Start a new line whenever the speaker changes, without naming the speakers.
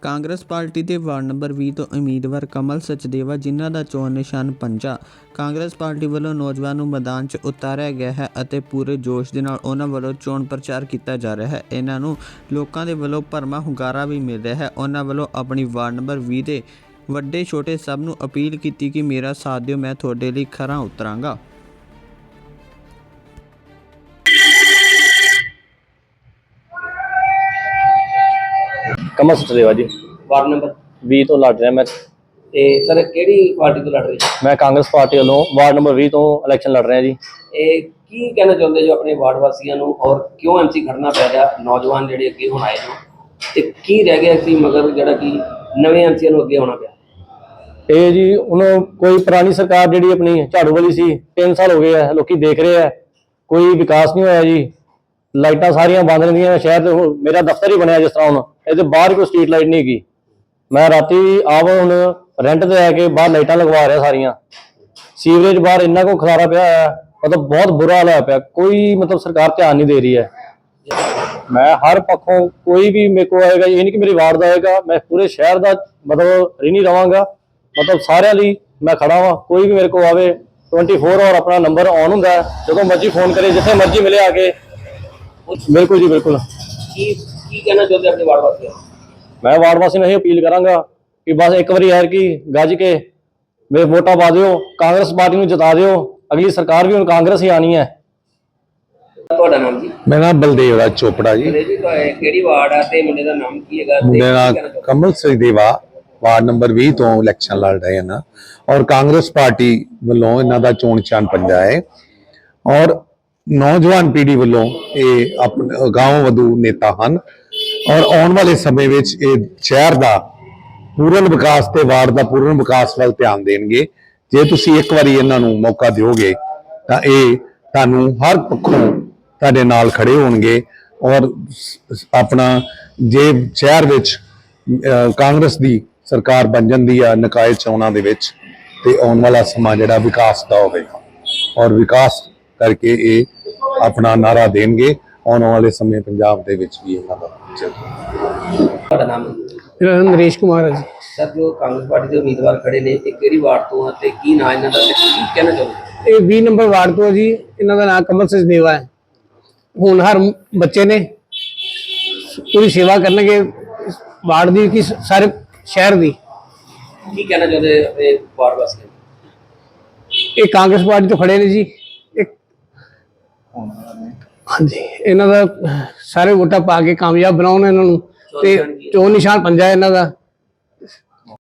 Congress party ਦੇ ward number 20 ਤੋਂ ਉਮੀਦਵਾਰ ਕਮਲ ਸਚਦੇਵਾ, ਜਿਨ੍ਹਾਂ ਦਾ ਚੋਣ ਨਿਸ਼ਾਨ ਪੰਜਾ, ਕਾਂਗਰਸ ਪਾਰਟੀ ਵੱਲੋਂ ਨੌਜਵਾਨ ਨੂੰ ਮੈਦਾਨ 'ਚ ਉਤਾਰਿਆ ਗਿਆ ਹੈ ਅਤੇ ਪੂਰੇ ਜੋਸ਼ ਦੇ ਨਾਲ ਉਹਨਾਂ ਵੱਲੋਂ ਚੋਣ ਪ੍ਰਚਾਰ ਕੀਤਾ ਜਾ ਰਿਹਾ ਹੈ। ਇਹਨਾਂ ਨੂੰ ਲੋਕਾਂ ਦੇ ਵੱਲੋਂ ਭਰਵਾਂ ਹੁੰਗਾਰਾ ਵੀ ਮਿਲ ਰਿਹਾ ਹੈ। ਉਹਨਾਂ ਵੱਲੋਂ ਆਪਣੀ ਵਾਰਡ ਨੰਬਰ 20 ਦੇ ਵੱਡੇ ਛੋਟੇ ਸਭ ਨੂੰ ਅਪੀਲ ਕੀਤੀ ਕਿ ਮੇਰਾ ਸਾਥ ਦਿਓ, ਮੈਂ ਤੁਹਾਡੇ ਲਈ ਖਰਾ ਉਤਰਾਂਗਾ।
कमल सचदेवा जी
वार्ड नंबर
20 ਤੋਂ ਲੜ ਰਿਹਾ ਮੈਂ।
ਤੇ ਸਰ ਕਿਹੜੀ ਪਾਰਟੀ ਤੋਂ ਲੜ ਰਹੇ ਜੀ?
ਮੈਂ ਕਾਂਗਰਸ ਪਾਰਟੀ ਵੱਲੋਂ ਵਾਰਡ ਨੰਬਰ 20 ਤੋਂ ਇਲੈਕਸ਼ਨ ਲੜ ਰਿਹਾ ਜੀ।
ਇਹ ਕੀ ਕਹਿਣਾ ਚਾਹੁੰਦੇ ਜੋ ਆਪਣੇ ਵਾਰਡ ਵਾਸੀਆਂ ਨੂੰ, ਔਰ ਕਿਉਂ ਐਮਸੀ ਖੜਨਾ ਪੈ ਰਿਹਾ? ਨੌਜਵਾਨ ਜਿਹੜੇ ਅੱਗੇ ਹੁਣ ਆਏ ਨੇ ਤੇ ਕੀ ਰਹਿ ਗਿਆ ਸੀ ਮਗਰ ਜਿਹੜਾ ਕਿ ਨਵੇਂ ਐਮਸੀਆਂ ਨੂੰ ਅੱਗੇ ਆਉਣਾ ਪਿਆ?
ਇਹ ਜੀ ਉਹਨੂੰ ਕੋਈ ਪੁਰਾਣੀ ਸਰਕਾਰ ਜਿਹੜੀ ਆਪਣੀ ਝਾੜੂ ਵਾਲੀ ਸੀ, 3 ਸਾਲ ਹੋ ਗਏ ਆ, ਲੋਕੀ ਦੇਖ ਰਹੇ ਆ, ਕੋਈ ਵਿਕਾਸ ਨਹੀਂ ਹੋਇਆ ਜੀ। ਲਾਈਟਾਂ ਸਾਰੀਆਂ ਬੰਦ ਰਹਿੰਦੀਆਂ ਸ਼ਹਿਰ ਦੇ। ਮੇਰਾ ਦਫ਼ਤਰ ਹੀ ਬਣਿਆ ਜਿਸ ਤਰ੍ਹਾਂ ਹੁਣ ਇਹਦੇ ਬਾਹਰ ਕੋਈ ਸਟਰੀਟ ਲਾਈਟ ਨਹੀਂ ਹੈਗੀ। ਮੈਂ ਰਾਤੀ ਆਪ ਹੁਣ ਰੈਂਟ ਤੇ ਆ ਕੇ ਬਾਹਰ ਲਾਈਟਾਂ ਲਗਵਾ ਰਿਹਾ ਸਾਰੀਆਂ। ਸੀਵਰੇਜ ਬਾਹਰ ਇੰਨਾ ਕੋ ਖਲਾਰਾ ਪਿਆ ਹੈ, ਮਤਲਬ ਬਹੁਤ ਬੁਰਾ ਹਾਲ ਹੋਇਆ ਪਿਆ। ਕੋਈ ਮਤਲਬ ਸਰਕਾਰ ਧਿਆਨ ਨਹੀਂ ਦੇ ਰਹੀ ਹੈ। ਮੈਂ ਹਰ ਪੱਖੋਂ ਕੋਈ ਵੀ ਮੇਰੇ ਕੋਲ ਆਏਗਾ, ਇਹ ਨਹੀਂ ਕਿ ਮੇਰੀ ਵਾਰਡ ਦਾ ਆਏਗਾ, ਮੈਂ ਪੂਰੇ ਸ਼ਹਿਰ ਦਾ ਮਤਲਬ ऋणी ਰਵਾਂਗਾ। ਮਤਲਬ ਸਾਰਿਆਂ ਲਈ ਮੈਂ ਖੜਾ ਵਾਂ। ਕੋਈ ਵੀ ਮੇਰੇ ਕੋਲ ਆਵੇ 24 ਆਵਰ ਆਪਣਾ ਨੰਬਰ ਔਨ ਹੁੰਦਾ, ਜਦੋਂ ਮਰਜ਼ੀ ਫੋਨ ਕਰੇ, ਜਿੱਥੇ ਮਰਜ਼ੀ ਮਿਲੇ ਆ ਕੇ। ਬਿਲकुल जी बिल्कुल।
ਕੀ ਕਹਿਣਾ ਚਾਹੁੰਦੇ ਆਪਣੇ ਵਾਰਡ ਵਾਸੀਆਂ ਨੂੰ?
मैं वार्ड वासी ਨੂੰ ਇਹ ਅਪੀਲ ਕਰਾਂਗਾ ਕਿ ਬਸ ਇੱਕ ਵਾਰੀ ਯਾਰ ਕੀ ਗੱਜ ਕੇ ਵੇ ਵੋਟਾਂ ਪਾ ਦਿਓ, ਕਾਂਗਰਸ ਪਾਰਟੀ ਨੂੰ ਜਿਤਾ ਦਿਓ। ਅਗਲੀ ਸਰਕਾਰ ਵੀ ਹੁਣ ਕਾਂਗਰਸ ਹੀ ਆਣੀ ਹੈ।
ਤੁਹਾਡਾ ਨਾਮ ਜੀ?
मेरा नाम बलदेव राज चोपड़ा जी।
ਜੀ ਕਿਹੜੀ ਵਾਰਡ ਆ ਤੇ ਮੁੰਡੇ ਦਾ ਨਾਮ ਕੀ ਹੈਗਾ?
मेरा कमल सचदेवा वार्ड नंबर 20 ਤੋਂ ਇਲੈਕਸ਼ਨ ਲੜ ਰਹੇ ਹਨ ਔਰ ਕਾਂਗਰਸ ਪਾਰਟੀ ਵੱਲੋਂ ਇਹਨਾਂ ਦਾ ਚੋਣ ਨਿਸ਼ਾਨ ਪੰਜਾ ਹੈ ਔਰ ਨੌਜਵਾਨ ਪੀੜ੍ਹੀ ਵੱਲੋਂ ਇਹ ਆਪਣੇ ਗਾਂਵ ਵਧੂ ਨੇਤਾ ਹਨ ਔਰ ਆਉਣ ਵਾਲੇ ਸਮੇਂ ਵਿੱਚ ਇਹ ਸ਼ਹਿਰ ਦਾ ਪੂਰਨ ਵਿਕਾਸ ਤੇ ਵਾਰਡ ਦਾ ਪੂਰਨ ਵਿਕਾਸ ਵੱਲ ਧਿਆਨ ਦੇਣਗੇ। ਜੇ ਤੁਸੀਂ ਇੱਕ ਵਾਰੀ ਇਹਨਾਂ ਨੂੰ ਮੌਕਾ ਦਿਓਗੇ ਤਾਂ ਇਹ ਤੁਹਾਨੂੰ ਹਰ ਪੱਖੋਂ ਤੁਹਾਡੇ ਨਾਲ ਖੜੇ ਹੋਣਗੇ ਔਰ ਆਪਣਾ ਜੇ ਸ਼ਹਿਰ ਵਿੱਚ ਕਾਂਗਰਸ ਦੀ ਸਰਕਾਰ ਬਣ ਜਾਂਦੀ ਆ ਨਿਕਾਏ ਚੋਣਾਂ ਦੇ ਵਿੱਚ ਤੇ ਆਉਣ ਵਾਲਾ ਸਮਾਂ ਜਿਹੜਾ ਵਿਕਾਸ ਦਾ ਹੋਵੇਗਾ ਔਰ ਵਿਕਾਸ ਕਰਕੇ ਇਹ ਆਪਣਾ ਨਾਰਾ ਦੇਣਗੇ। ਆਉਣ ਵਾਲੇ ਸਮੇਂ ਪੰਜਾਬ ਦੇ ਵਿੱਚ ਵੀ ਇਹਨਾਂ ਦਾ
ਤੁਹਾਡਾ ਨਾਮ?
ਮੇਰਾ ਨਾਮ ਨਰੇਸ਼ ਕੁਮਾਰ ਹੈ ਜੀ।
ਸਰ ਜੋ ਕਾਂਗਰਸ ਪਾਰਟੀ ਦੇ ਉਮੀਦਵਾਰ ਖੜੇ ਨੇ, ਇਹ ਕਿਹੜੀ ਵਾਰਡ ਤੋਂ ਆ ਤੇ ਕੀ ਨਾਂ ਇਹਨਾਂ ਦਾ ਤੇ ਕੀ ਕਹਿਣਾ ਚਾਹੁੰਦੇ?
ਇਹ 20 ਨੰਬਰ ਵਾਰਡ ਤੋਂ ਹੈ ਜੀ। ਇਹਨਾਂ ਦਾ ਨਾਮ ਕਮਲ ਸਚਦੇਵਾ ਹੈ। ਹੋਣਹਾਰ ਬੱਚੇ ਨੇ, ਪੂਰੀ ਸੇਵਾ ਕਰਨਗੇ ਵਾਰਡ ਦੀ ਕਿ ਸਾਰੇ ਸ਼ਹਿਰ ਦੀ।
ਕੀ ਕਹਿਣਾ ਚਾਹੁੰਦੇ ਆਪਣੇ ਵਾਰਡ ਵਾਸੀਆਂ ਨੂੰ?
ਇਹ ਕਾਂਗਰਸ ਪਾਰਟੀ ਤੋਂ ਖੜੇ ਨੇ ਜੀ। ਹਾਂਜੀ, ਇਹਨਾਂ ਦਾ ਸਾਰੇ ਵੋਟਾਂ ਪਾ ਕੇ ਕਾਮਯਾਬ ਬਣਾਉਣ ਇਹਨਾਂ ਨੂੰ। ਤੇ ਚੋਣ ਨਿਸ਼ਾਨ ਪੰਜਾ ਇਹਨਾਂ ਦਾ।